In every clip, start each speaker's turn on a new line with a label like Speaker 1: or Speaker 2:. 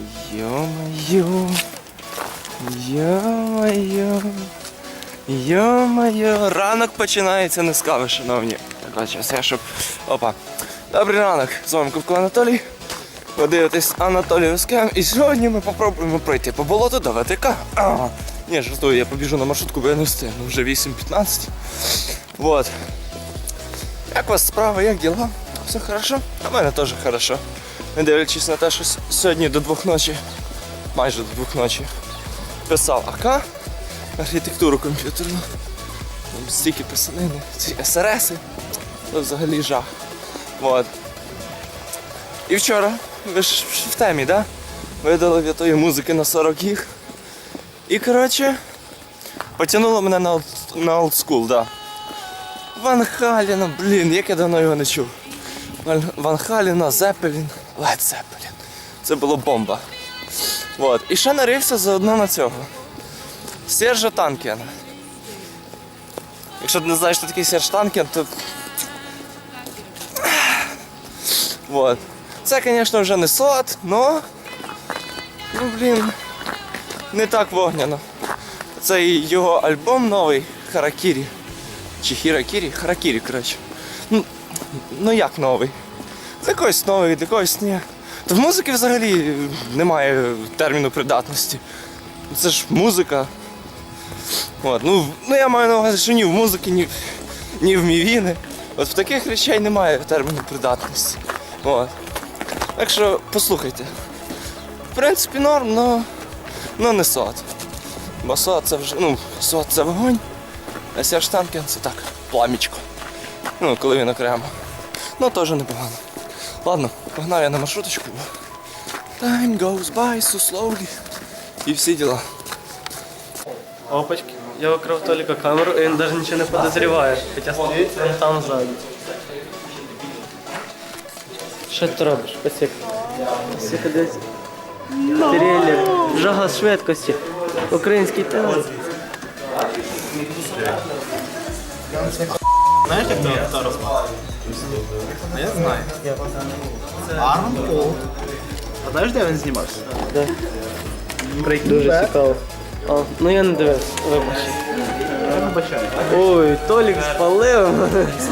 Speaker 1: Йо-моє, йо-моє, йо-моє. Ранок починається не з кави, шановні. Так, зараз я щоб... Опа. Добрий ранок, з вами Кубко Анатолій. Ви дивитесь Анатолію Скем. І сьогодні ми попробуємо пройти по болоту до ВТК. Ні, жартую, я побіжу на маршрутку, бо я не встигну. Вже 8:15. Вот. Як у вас справа, як діла? Все хорошо? А в мене теж хорошо. Не дивлячись на те, що сьогодні до 2 ночі, майже до 2 ночі, писав АК, архітектуру комп'ютерну. Там стільки писанини, ці СРСи, це взагалі жах. Вот. І вчора, ви ж в темі, да? Видали від тої музики на 40 гіг. І, коротше, потягнуло мене на олдскул, да. Ван Халіна, блін, як я давно його не чув. Ван Халіна, Зеппелін, Лед Зеппелін. Це було бомба. Вот. І ще нарився заодно на цього. Сержа Танкіна. Якщо ти не знаєш, що такий Серж Танкін, то... Вот. Це, звісно, вже не сот, но... Ну, блін, не так вогняно. Це його альбом новий, Харакірі. Чи Хіракірі? Харакірі, коротше. Ну як новий? Це когось новий, для когось ні. То в музики взагалі немає терміну придатності. Це ж музика. От. Ну я маю на увазі, що ні в музики, ні в мівіни. От в таких речей немає терміну придатності. От. Так що послухайте. В принципі норм, но не сот. Бо сот це вже, сот це вогонь, а Серж Танкін це так, пламічко. Ну, коли він окремо. Ну, теж непогано. Ладно, погнав я на маршруточку. Time goes by so slowly. І всі діла.
Speaker 2: Опачки, я викрив Толіка камеру, і він навіть нічого не підозріває. Хоча стоїть він там ззаду. Що ти робиш? Посік. Посік, десь. Трилер. Жага швидкості. Український театр.
Speaker 3: Знаєш, як хто розмовляє? А я знаю. Арман Пол. А знаєш, де він знімався?
Speaker 2: Да. Дуже цікаво. А, ну я не дивився, вибач.
Speaker 3: Я вибачаю.
Speaker 2: Ой, Толік спалив.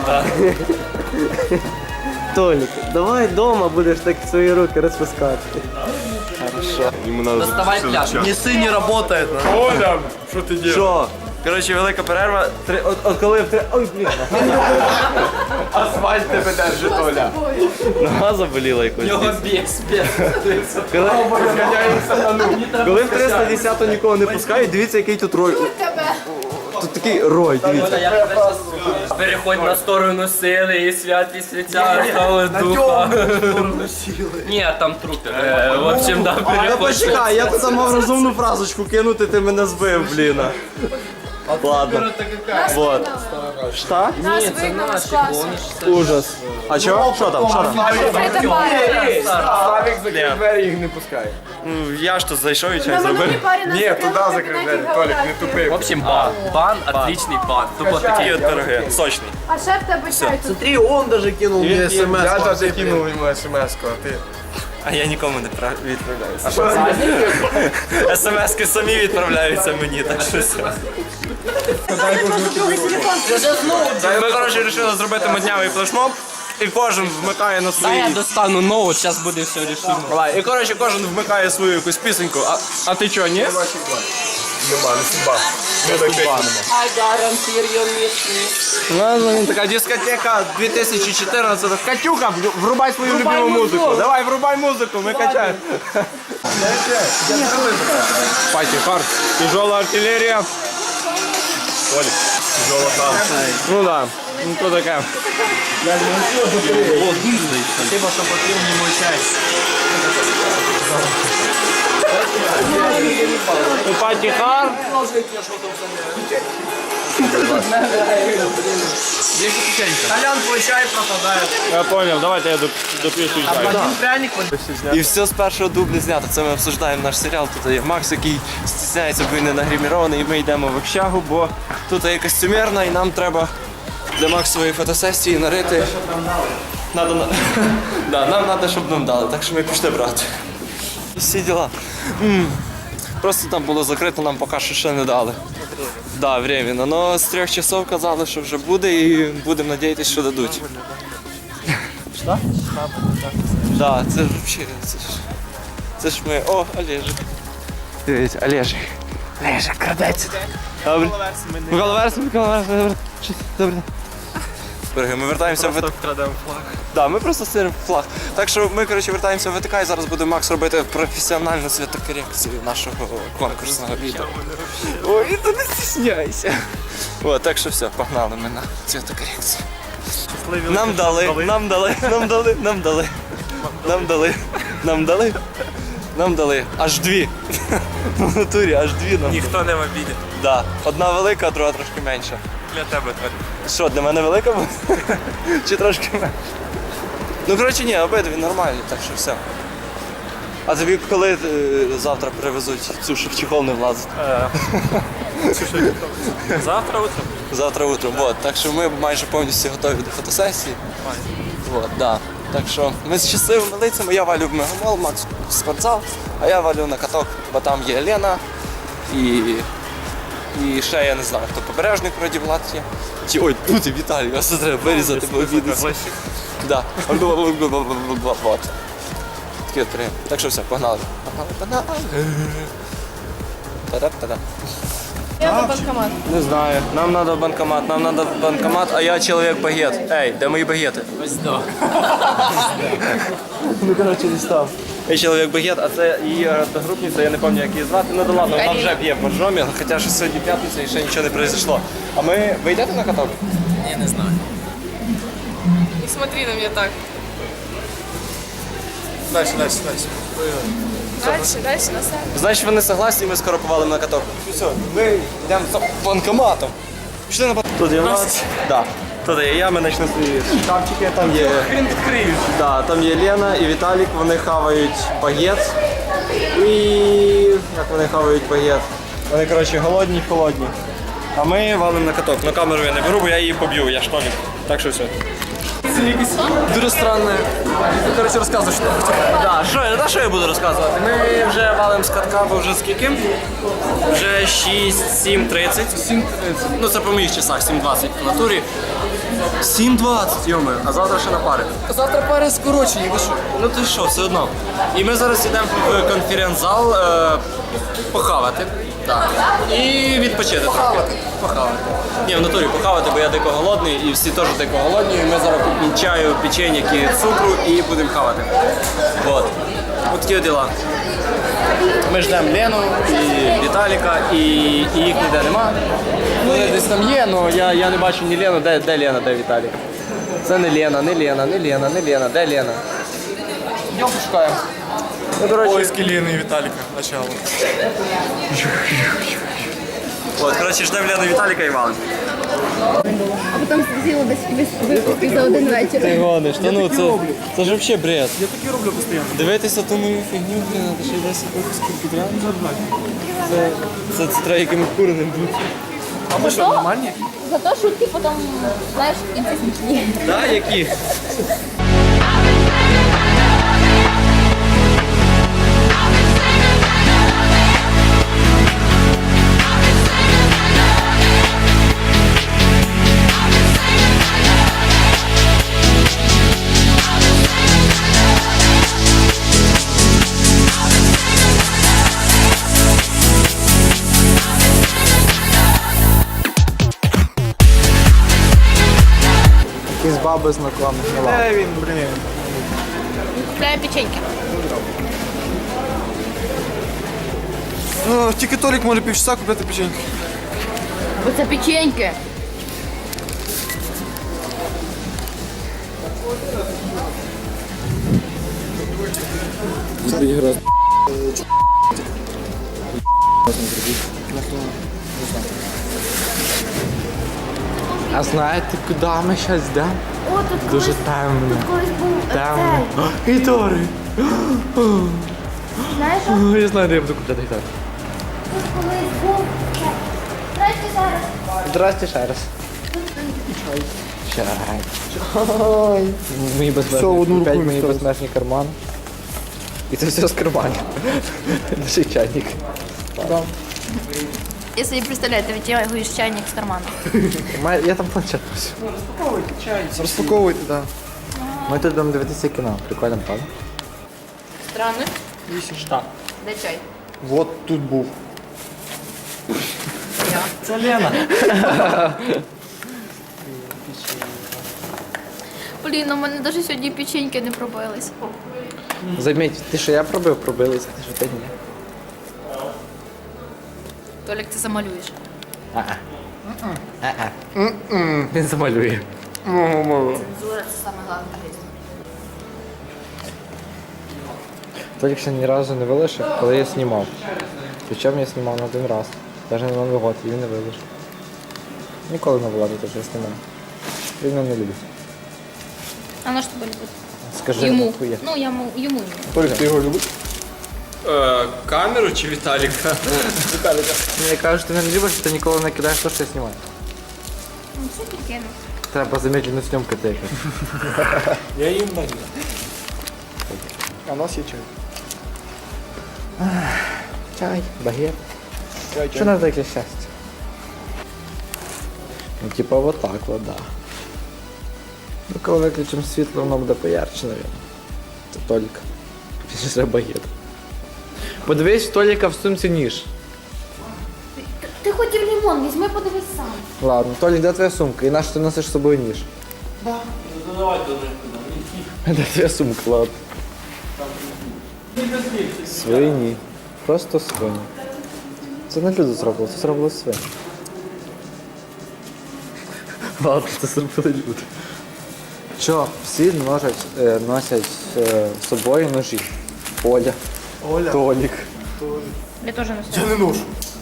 Speaker 2: Толік, давай вдома будеш так свої руки розпускати.
Speaker 1: Доставай пляж.
Speaker 3: Неси не работает.
Speaker 1: Оля, що ти робиш? Що? Коротше, велика перерва. От коли в 3... Ой, блін.
Speaker 3: Асфальт тебе держить, Оля.
Speaker 1: Нога заболіла якось.
Speaker 2: Його біс.
Speaker 1: Коли в 310-ту нікого не пускають, дивіться, який тут рой. Тут такий рой, дивіться.
Speaker 2: Переходь на сторону сили і святість святя, слава духа. Ні, там трупи. В общем, да,
Speaker 1: Та
Speaker 2: переходь.
Speaker 1: почекай, я тут мав розумну фразочку кинути, ти мене збив, блін. Ладно. Вот. Что?
Speaker 2: Ні, це наші, бо вони ж
Speaker 1: Ужас. А чого? Що там? Що там?
Speaker 3: Славік закрив двері, їх не пускає.
Speaker 1: Ну, я ж тут зайшов і чай зробив.
Speaker 3: Ні, туди закрив двері, Толік, не тупи.
Speaker 2: В общем, бан. Бан, отличный бан. Тупо
Speaker 1: Такі от пироги, сочний.
Speaker 4: А шеф тебе чай тут.
Speaker 3: Смотри, он даже кинул мне смс. Я даже кинул ему смс-ку, а ти?
Speaker 1: А я нікому не відправляюся. СМС-ки самі відправляються мені, так що все. Ми, коротше, вирішили зробити моднявий флешмоб. І кожен вмикає на свої...
Speaker 2: Я достану ноут, зараз буде все рішено.
Speaker 1: Давай, і коротше, кожен вмикає свою якусь пісеньку. А ти чого, ні?
Speaker 3: Нема, не судьба.
Speaker 2: I guarantee you miss me.
Speaker 1: Ладно, така дискотека 2014. Катюха, врубай свою любиму музику. Давай, врубай музику, ми качаємо. Пати хард, тяжелая артиллерия. Толик, тяжелая хард. Ну да, ну то таке.
Speaker 3: Спасибо, що попив мені мой чай.
Speaker 1: Пати хард.
Speaker 3: Толян, твой чай пропадает.
Speaker 1: Я понял, давайте я допью свій чай.
Speaker 3: Один пряник.
Speaker 1: І все з першого дубля знято. Це ми обсуждаємо наш серіал. Тут є Макс, який стісняється, бо він не нагримірований, і ми йдемо в общагу, бо тут є костюмерна, і нам треба для Максової фотосесії нарити. Да, нам треба, щоб нам дали, так що ми пішли брати. всі діла. Просто там було закрито, нам поки що ще не дали. Да, временно. Но з 3 часов казали, що вже буде і будемо надіятися, що дадуть. Що? Да, це ж взагалі, це ж ми... О, Олежик. Дивіться, Олежик. Олежик, крадеться. Добре. Микола Верс, добре. Береги, ми вертаємося в
Speaker 3: Крадемо флаг.
Speaker 1: Да, ми просто стиримо флаг. Так що ми, коротше, вертаємося в ВТК і зараз буде Макс робити професіональну святокорекцію нашого конкурсного відео. Ой, ти не стісняйся. От, так що все, погнали ми на святокорекцію. Нам дали. Аж 2. В натурі аж 2 нам.
Speaker 3: Ніхто не в обіді.
Speaker 1: Да. Одна велика, а друга трошки менша.
Speaker 3: Для тебе, Толь.
Speaker 1: Що, для мене велика буде? Чи трошки менше? Ну, коротше, ні, обидві нормальні, так що все. А тобі коли завтра привезуть цю, що в чехол не влазить?
Speaker 3: Завтра утром.
Speaker 1: Завтра утром, вот. Так що ми майже повністю готові до фотосесії. Вот, да. Так що ми з щасливими лицями, я валю в мегамол, Макс в спортзал, а я валю на каток, бо там є Лена і ще я не знаю, хто побережник вроді Влад є. Чи ой, тут і Віталій, ось це треба вирізати, бо обідеться. Да. Вот. Такі от приємні. Так що все, погнали. Погнали. Та-да-та-да.
Speaker 4: Я на банкомат.
Speaker 1: Не знаю, нам треба банкомат, а я чоловік-багет. Ей, де мої багети?
Speaker 2: Ось до.
Speaker 1: Ну, коротше, не став. Я чоловік-багет, а це її одногрупниця, я не пам'ятаю, як її звати. Ну, да ладно, вона вже п'є по жомі, хоча що сьогодні п'ятниця і ще нічого не произошло. А ви йдете на каток?
Speaker 2: Я не знаю.
Speaker 4: Не смотри на меня так.
Speaker 3: Дальше.
Speaker 4: Дальше, на сайт.
Speaker 1: Значить, вони согласні, ми скоро повалимо на каток. Все, ми йдемо за банкоматом. Пішли на банкомат. Тут є Влад. Да. Тут є я, ми почнемо свої шкафчики, там є... Да, там є Лена і Віталік, вони хавають багет. І... як вони хавають багет? Вони, коротше, голодні. А ми валимо на каток. На камеру я не беру, бо я її поб'ю, я штолік. Так що все. Дуже странне.
Speaker 3: Короче, розказуй, що.
Speaker 1: Да, що я буду розказувати? Ми вже валимо з катка, бо вже скільки? Вже 7:30. Ну це по моїх часах, 7:20 в натурі. 7:20, йоми, а завтра ще на пари.
Speaker 3: Завтра пари скорочені, ви що?
Speaker 1: Ну ти що, все одно. І ми зараз йдемо в конференц-зал похавати. Так. І відпочити трохи. Похавати. Ні, в натурі похавати, бо я дико голодний і всі теж дико голодні. І ми зараз купимо чаю, печеньки, цукру і будемо хавати. От. Ось такі діла. Ми ждемо Лену і Віталіка, і їх ніде нема. Вони десь там є, але я не бачу ні Лену. Де Лена, де Віталік? Це не Лена. Де Лена? Йдемо пошукаємо. Ну, коротше,
Speaker 3: Поиски Лены и Виталика. Начало.
Speaker 1: от, коротше, ждемо Лену, Віталіка і валим.
Speaker 4: А потім з'їла десь випустити за один вечір.
Speaker 1: Ти гониш, та ну це ж взагалі бред.
Speaker 3: Я таки роблю постійно.
Speaker 1: Дивитися ту мою фігню, блін, це ще й 10 випусків підряд. Це треба якимось куреним бути.
Speaker 3: А ви що, нормальні?
Speaker 4: Зато шутки потім, знаєш, в кінці смішні.
Speaker 1: Так, які?
Speaker 3: Якісь баби знакомі. Де він, блін?
Speaker 4: Купляємо печеньки.
Speaker 3: Ну, тільки Толік може півчаса купити печеньки.
Speaker 4: Бо це печеньки.
Speaker 5: А знаєте, куди ми зараз йдемо?
Speaker 4: О, тут
Speaker 5: Дуже темно.
Speaker 4: колись був
Speaker 5: Темно.
Speaker 4: цей.
Speaker 5: Гітари.
Speaker 4: Знаєш, що?
Speaker 5: Я знаю, де я буду купляти гітари.
Speaker 4: Тут колись був цей. Здрасте зараз.
Speaker 5: Здрасте ще раз. Чай. Мої безмежні, опять мої безмежні кармани. І це все з карманів. Лише чайник.
Speaker 4: Я собі представляю, ти витягуєш чайник з карману.
Speaker 5: Я там планшет носю.
Speaker 3: Розпаковуйте, так.
Speaker 5: Ми тут будемо дивитися кіно. Прикольно, правда?
Speaker 4: Странно.
Speaker 2: Штаб.
Speaker 4: Де чай?
Speaker 3: Вот тут був.
Speaker 2: Це Лена.
Speaker 4: Блін, у мене навіть сьогодні печеньки не пробились.
Speaker 5: Заміть, ти що я пробив, пробилися, ти що ти ні.
Speaker 4: Толік, ти замалюєш.
Speaker 5: Він замалює.
Speaker 4: Цензура це саме головне.
Speaker 5: Толік ще ні разу не вилишив, коли я знімав. Причому я знімав на один раз. Навіть на Новий год, і він не вилишив. Ніколи не владу теж я знімав. Він мене не любить.
Speaker 4: А на що тебе любить?
Speaker 5: Скажи,
Speaker 4: Йому.
Speaker 5: хуя.
Speaker 4: Ну, йому ні.
Speaker 5: Толік, ти його любиш?
Speaker 2: Камеру чи Віталіка?
Speaker 5: Мені кажуть, що ти не любиш, ти ніколи не кидаєш те, що я знімаю.
Speaker 4: Ну, це таке.
Speaker 5: Треба замедлену зйомку тільки.
Speaker 2: Я їм даю.
Speaker 3: А у нас є чай.
Speaker 5: Чай, багет.
Speaker 3: Чай,
Speaker 5: Що надо для щастя? Ну, типа вот так вот, да. Ну, коли виключимо світло, воно буде поярче, наверное. Це Толік. Після багет. Подивись, в Толіка в сумці ніж.
Speaker 4: Ти хотів лимон, візьми, подивись сам.
Speaker 5: Ладно, Толік, де твоя сумка? І на що ти носиш з собою ніж?
Speaker 2: Давай до них
Speaker 5: Де твоя сумка, ладно? Свині. Просто свині. Це не люди зробили, це зробили свині. Ладно, це зробили люди. Що, всі носять з собою ножі? Оля. Толік.
Speaker 4: Я теж не
Speaker 3: Я
Speaker 4: знаю.
Speaker 3: не ношу.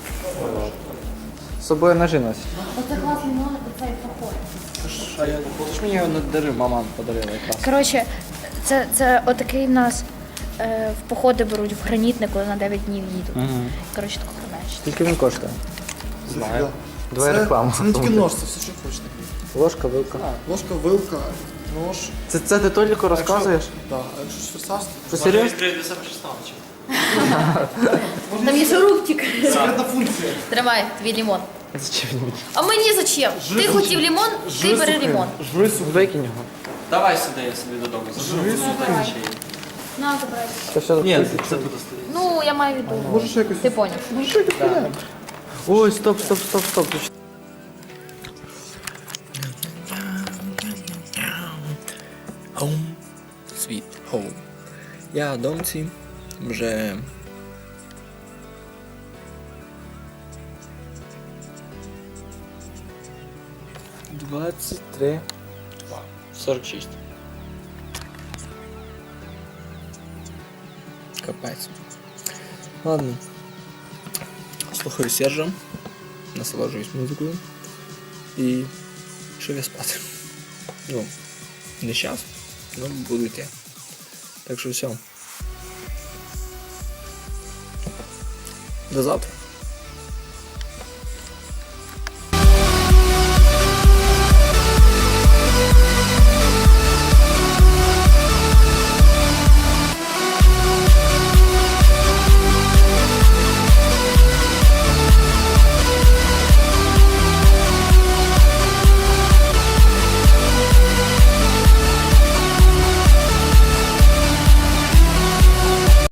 Speaker 5: З собою ножі носять.
Speaker 4: Оце класний номер, оцей поход.
Speaker 5: Ти ж мені його не дари, мама подарила якраз.
Speaker 4: Коротше, це отакий в нас в походи беруть в гранітнику на 9 днів їдуть. Коротше, таку хреначить.
Speaker 5: Скільки він коштує?
Speaker 3: Знаю.
Speaker 5: Давай рекламу.
Speaker 3: Це не тільки нож, це все, що хочете.
Speaker 5: Ложка, вилка.
Speaker 3: Ложка, вилка, нож.
Speaker 5: Це ти Толіку розказуєш?
Speaker 3: Так, а якщо щось форсаж,
Speaker 5: Що, серйозно?
Speaker 4: Там є шурупчик.
Speaker 3: секретна функція.
Speaker 4: Тримай, твій лимон.
Speaker 5: Зачем він мені?
Speaker 4: А мені зачем? Ти хотів лимон, ти бери лимон.
Speaker 3: Жуй, сука.
Speaker 5: Викинь його.
Speaker 2: Давай сюди, я собі додому заберу.
Speaker 4: На, забирай.
Speaker 5: Це все
Speaker 2: Ні, це буде стоїть.
Speaker 4: Ну, я маю в виду.
Speaker 3: Може ще якось.
Speaker 4: Ти поняв.
Speaker 3: Може ще якось поняємо.
Speaker 5: Ой, стоп.
Speaker 1: Home, sweet home. Я в домці вже
Speaker 2: 46.
Speaker 1: Капець. Ладно. Слухаю Сержа, насолоджуюсь музикою і пішов я спати. Ну, не час, але буду йти. Так що все. До завтра.